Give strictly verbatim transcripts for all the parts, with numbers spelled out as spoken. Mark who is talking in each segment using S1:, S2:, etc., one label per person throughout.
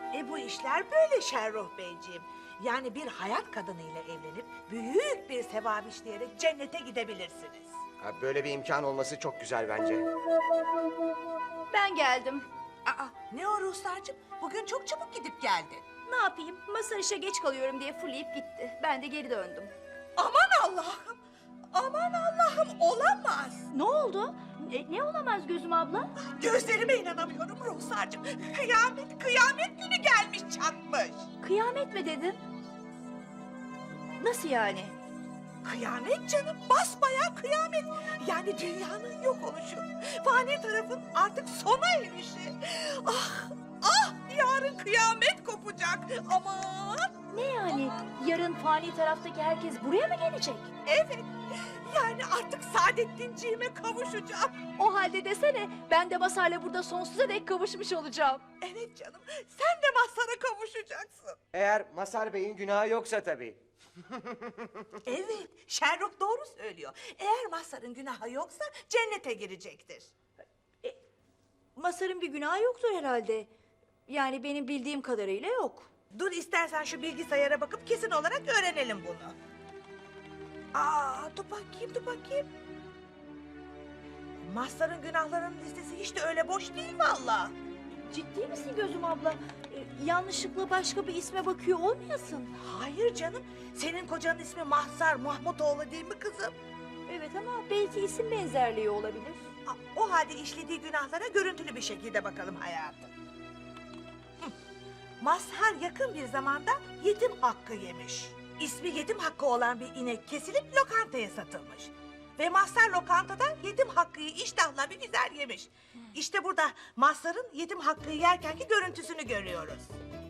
S1: E bu işler böyle Şerruh Beyciğim. Yani bir hayat kadınıyla evlenip büyük bir sevap işleyerek cennete gidebilirsiniz.
S2: Ha, böyle bir imkan olması çok güzel bence.
S3: Ben geldim.
S1: Aa, ne o Ruhsar'cığım? Bugün çok çabuk gidip geldin.
S3: Ne yapayım? Masar işe geç kalıyorum diye fırlayıp gitti. Ben de geri döndüm.
S1: Aman Allah'ım! Aman Allah'ım, olamaz!
S3: Ne oldu? Ne, ne olamaz Gözüm abla?
S1: Gözlerime inanamıyorum Ruhsar'cığım. Kıyamet, kıyamet günü gelmiş çatmış.
S3: Kıyamet mi dedin? Nasıl yani?
S1: Kıyamet canım, basbayağı kıyamet. Yani dünyanın yok oluşu. Fani tarafın artık sona erişi. Ah, ah, yarın kıyamet kopacak. Aman!
S3: Ne yani? Yarın fani taraftaki herkes buraya mı gelecek?
S1: Evet, yani artık Saadettinciğime kavuşacağım.
S3: O halde desene ben de Masar'la burada sonsuza dek kavuşmuş olacağım.
S1: Evet canım, sen de Mazhar'a kavuşacaksın.
S2: Eğer Mazhar Bey'in günahı yoksa tabii.
S1: Evet, Sherlock doğru söylüyor. Eğer Mazhar'ın günahı yoksa cennete girecektir.
S3: Masar'ın bir günahı yoktur herhalde. Yani benim bildiğim kadarıyla yok.
S1: Dur istersen şu bilgisayara bakıp kesin olarak öğrenelim bunu. Aa, dur bakayım, dur bakayım. Mazhar'ın günahlarının listesi hiç de öyle boş değil vallahi.
S3: Ciddi misin Gözüm abla? Ee, yanlışlıkla başka bir isme bakıyor olmayasın.
S1: Hayır canım, senin kocanın ismi Mahzar Mahmutoğlu değil mi kızım?
S3: Evet ama belki isim benzerliği olabilir.
S1: Aa, o halde işlediği günahlara görüntülü bir şekilde bakalım hayatım. Hı. Mazhar yakın bir zamanda yetim hakkı yemiş. İsmi yetim hakkı olan bir inek kesilip lokantaya satılmış. Ve Mazhar lokantada yetim hakkıyı iştahla bir güzel yemiş. İşte burada Mazhar'ın yetim hakkıyı yerkenki görüntüsünü görüyoruz.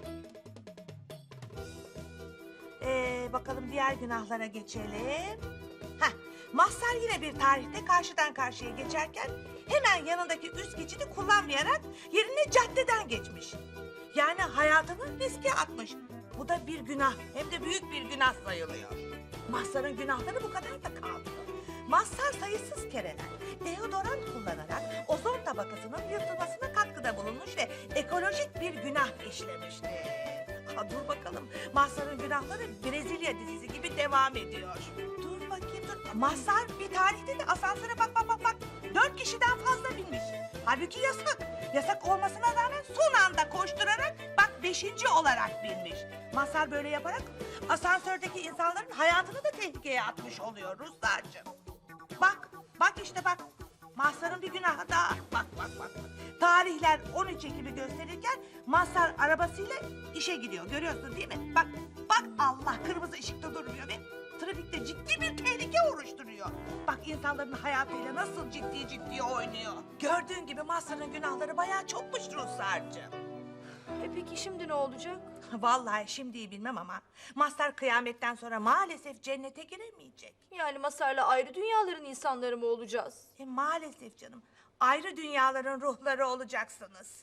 S1: Ee, bakalım diğer günahlara geçelim. Heh, Mazhar yine bir tarihte karşıdan karşıya geçerken hemen yanındaki üst geçidi kullanmayarak yerine caddeden geçmiş. Yani hayatını riske atmış. Bu da bir günah, hem de büyük bir günah sayılıyor. Mazhar'ın günahları bu kadar da kalmıyor. Mazhar sayısız kereler deodorant kullanarak ozon tabakasının yırtılmasına katkıda bulunmuş ve ekolojik bir günah işlemiştir. Aa, dur bakalım, Mazhar'ın günahları Brezilya dizisi gibi devam ediyor. Dur bakayım, dur. Mazhar bir tarihte de asansöre bak bak bak bak. Dört kişiden fazla binmiş. Halbuki yasak. Yasak olmasına rağmen son anda koşturarak bak beşinci olarak binmiş. Mazhar böyle yaparak asansördeki insanların hayatını da tehlikeye atmış oluyor Ruslarcığım. Bak, bak işte bak. Mazhar'ın bir günahı daha. Bak, bak, bak. Tarihler on üç Ekim'i gösterirken Mazhar arabasıyla işe gidiyor. Görüyorsun değil mi? Bak, bak Allah kırmızı ışıkta durmuyor ve trafikte ciddi bir tehlike oluşturuyor. Bak insanların hayatıyla nasıl ciddi ciddi oynuyor. Gördüğün gibi Mazhar'ın günahları bayağı çokmuş Ruslarcığım.
S3: E peki şimdi ne olacak?
S1: Vallahi şimdiyi bilmem ama Mazhar kıyametten sonra maalesef cennete giremeyecek.
S3: Yani Masar'la ayrı dünyaların insanları mı olacağız?
S1: E, maalesef canım. Ayrı dünyaların ruhları olacaksınız.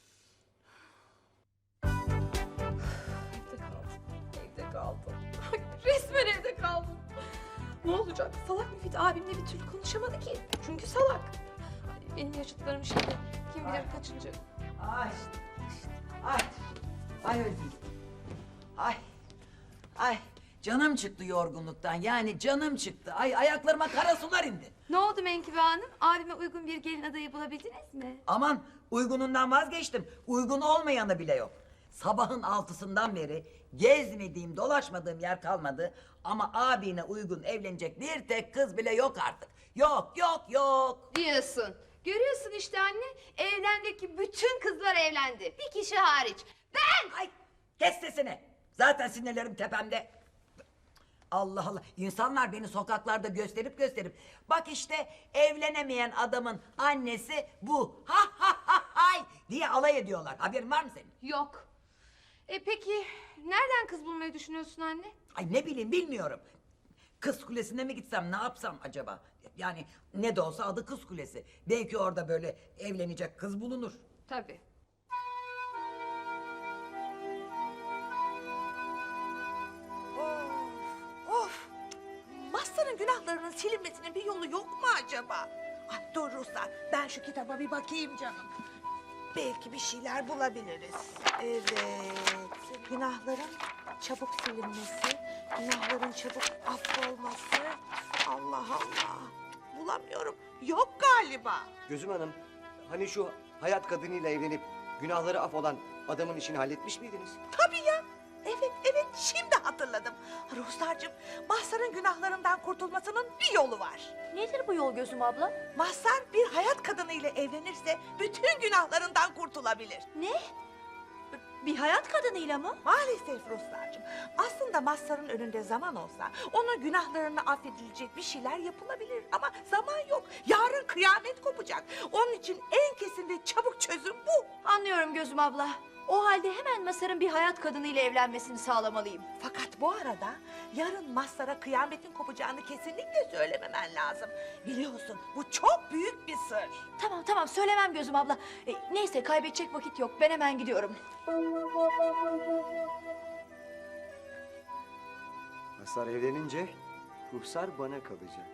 S4: Evde kaldım. Evde kaldım. Resmen evde kaldım. Ne olacak? Salak Müfit abimle bir türlü konuşamadı ki. Çünkü salak. Ay, benim yaşıtlarım şimdi kim bilir kaçıncı.
S5: Ay, ay, ay öldüm. Ay, ay, canım çıktı yorgunluktan. Yani canım çıktı. Ay ayaklarıma kara sular indi.
S4: Ne oldu Menkıbe Hanım? Abime uygun bir gelin adayı bulabildiniz mi?
S5: Aman uygunundan vazgeçtim. Uygun olmayanı bile yok. Sabahın altısından beri gezmediğim, dolaşmadığım yer kalmadı. Ama abine uygun evlenecek bir tek kız bile yok artık. Yok, yok, yok.
S4: Diyorsun. Görüyorsun işte anne. Evrendeki bütün kızlar evlendi. Bir kişi hariç. Ben!
S5: Ay, kes sesini. Zaten sinirlerim tepemde. Allah Allah. İnsanlar beni sokaklarda gösterip gösterip bak işte evlenemeyen adamın annesi bu. Ha ha ha hay diye alay ediyorlar. Haberin var mı senin?
S4: Yok. E peki nereden kız bulmayı düşünüyorsun anne?
S5: Ay ne bileyim bilmiyorum. Kız Kulesi'ne mi gitsem ne yapsam acaba? Yani ne de olsa adı Kız Kulesi. Belki orada böyle evlenecek kız bulunur.
S4: Tabii.
S1: Of, of. Mazhar'ın günahlarının silinmesinin bir yolu yok mu acaba? Ay dur Ruslar, ben şu kitaba bir bakayım canım. belki bir şeyler bulabiliriz. Evet. Günahların çabuk silinmesi, günahların çabuk affolması. Allah Allah. Bulamıyorum. Yok galiba.
S2: Gözüm Hanım, hani şu hayat kadınıyla evlenip günahları af olan adamın işini halletmiş miydiniz?
S1: Tabii ya. Evet, evet. Şimdi hatırladım. Ruhsarcığım, Mahsar'ın günahlarından kurtulmasının bir yolu var.
S3: Nedir bu yol gözüm abla?
S1: Mahsar bir hayat kadınıyla evlenirse bütün günahlarından kurtulabilir.
S3: Ne? Bir hayat kadınıyla mı?
S1: Maalesef Ruhsarcığım. Aslında Mazhar'ın önünde zaman olsa onun günahlarını affedilecek bir şeyler yapılabilir. Ama zaman yok. Yarın kıyamet kopacak. Onun için en kesin ve çabuk çözüm bu.
S3: Anlıyorum gözüm abla. O halde hemen Masar'ın bir hayat kadınıyla evlenmesini sağlamalıyım.
S1: Fakat bu arada yarın Mazhar'a kıyametin kopacağını kesinlikle söylememen lazım. Biliyorsun bu çok büyük bir sır.
S3: Tamam tamam söylemem gözüm abla. E, neyse kaybedecek vakit yok. Ben hemen gidiyorum.
S2: Mazhar evlenince ruhsar bana kalacak.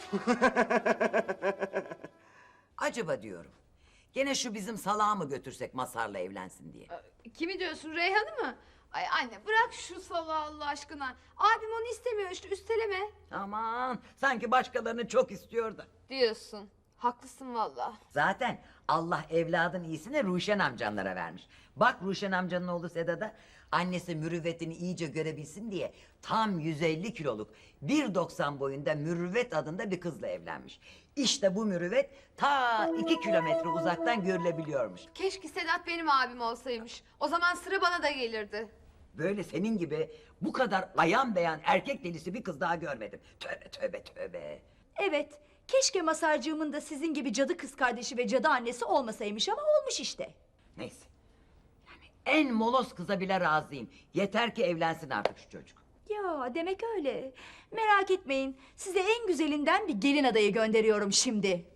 S5: Acaba diyorum. Gene şu bizim salağı mı götürsek Mazhar'la evlensin diye.
S4: Kimi diyorsun, Reyhan'ı mı? Ay anne bırak şu salağı Allah aşkına. Abim onu istemiyor işte, üsteleme.
S5: Aman sanki başkalarını çok istiyor da.
S4: Diyorsun. Haklısın valla.
S5: Zaten Allah evladın iyisini Ruşen amcanlara vermiş. Bak Ruşen amcanın oğlu Sedat'a annesi mürüvvetini iyice görebilsin diye tam yüz elli kiloluk bir doksan boyunda Mürüvvet adında bir kızla evlenmiş. İşte bu mürüvvet ta iki kilometre uzaktan görülebiliyormuş.
S4: Keşke Sedat benim abim olsaymış. O zaman sıra bana da gelirdi.
S5: Böyle senin gibi bu kadar ayan beyan erkek delisi bir kız daha görmedim. Tövbe tövbe tövbe.
S3: Evet. Keşke Masarcığımın da sizin gibi cadı kız kardeşi ve cadı annesi olmasaymış ama olmuş işte.
S5: Neyse. Yani en moloz kıza bile razıyım. Yeter ki evlensin artık şu çocuk.
S3: Ya demek öyle. Merak etmeyin. Size en güzelinden bir gelin adayı gönderiyorum şimdi.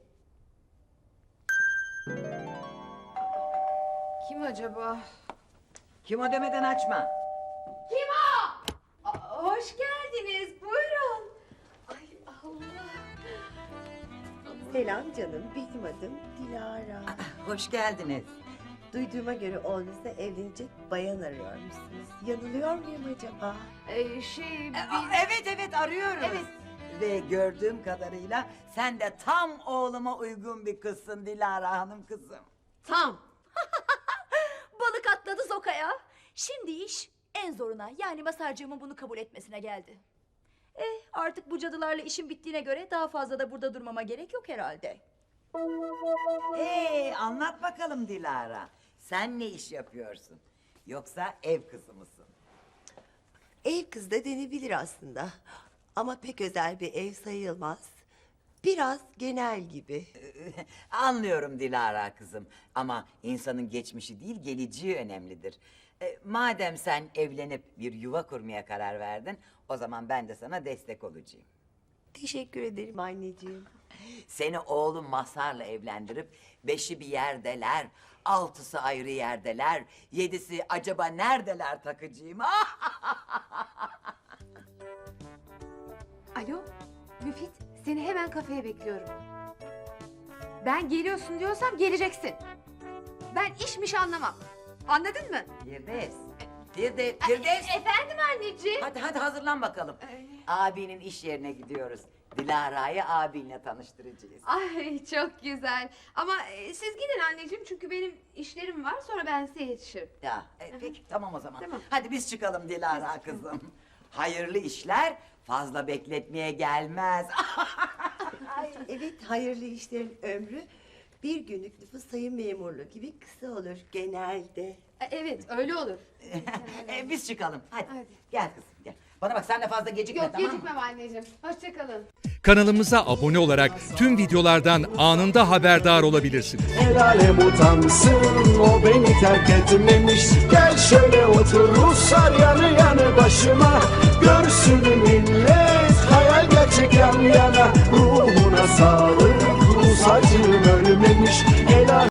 S4: Kim acaba?
S5: Kim o demeden açma.
S4: Kim o? Aa, hoş geldiniz. Buyurun. Ay Allah.
S6: Selam canım, benim adım Dilara.
S5: Hoş geldiniz.
S6: Duyduğuma göre oğlunuzla evlenecek bayan arıyormuşsunuz. Yanılıyor muyum acaba?
S4: Ee, şey
S5: E,
S4: biz...
S5: a- Evet evet arıyoruz.
S4: Evet.
S5: Ve gördüğüm kadarıyla sen de tam oğluma uygun bir kızsın Dilara Hanım kızım.
S4: Tam.
S3: Balık atladı sokaya. Şimdi iş en zoruna yani Masarcığımın bunu kabul etmesine geldi. Eh artık bu cadılarla işim bittiğine göre daha fazla da burada durmama gerek yok herhalde.
S5: Ee, anlat bakalım Dilara. Sen ne iş yapıyorsun? Yoksa ev kızı mısın?
S6: Ev kız da denebilir aslında. Ama pek özel bir ev sayılmaz. Biraz genel gibi.
S5: Anlıyorum Dilara kızım. Ama insanın geçmişi değil geleceği önemlidir. E, madem sen evlenip bir yuva kurmaya karar verdin... ...o zaman ben de sana destek olacağım.
S6: Teşekkür ederim anneciğim.
S5: Seni oğlum Mazhar'la evlendirip... ...beşi bir yerdeler, altısı ayrı yerdeler... ...yedisi acaba neredeler takıcığım?
S4: Alo Müfit, seni hemen kafeye bekliyorum. Ben geliyorsun diyorsam geleceksin. Ben işmiş anlamam. Anladın mı?
S5: Firdevs, Firdevs, Firdevs.
S4: Efendim anneciğim.
S5: Hadi hadi hazırlan bakalım.
S4: Ee.
S5: Abinin iş yerine gidiyoruz. Dilara'yı abinle tanıştıracağız.
S4: Ay çok güzel. Ama e, siz gidin anneciğim çünkü benim işlerim var sonra ben size yetişirim.
S5: Ya e, peki tamam o zaman.
S4: Tamam.
S5: Hadi biz çıkalım Dilara kızım. Hayırlı işler fazla bekletmeye gelmez.
S6: Ay, evet, hayırlı işlerin ömrü bir günlük nüfus sayım memurluğu gibi kısa olur genelde.
S4: E, Evet öyle olur.
S5: E, biz çıkalım. Hadi.
S4: Hadi.
S5: Gel kızım gel. Bana bak sen de fazla gecikme
S4: Yok
S5: tamam mı?
S4: gecikmem anneciğim. Hoşçakalın.
S7: Kanalımıza abone olarak tüm videolardan anında haberdar olabilirsiniz.
S8: El alem utansın, o beni terk etmemiş. Gel şöyle otur Ruslar yanı yanı başıma. Görsün millet hayal gerçek yan yana. Ruhuna sağlık, Rus acım ölmemiş. El alem-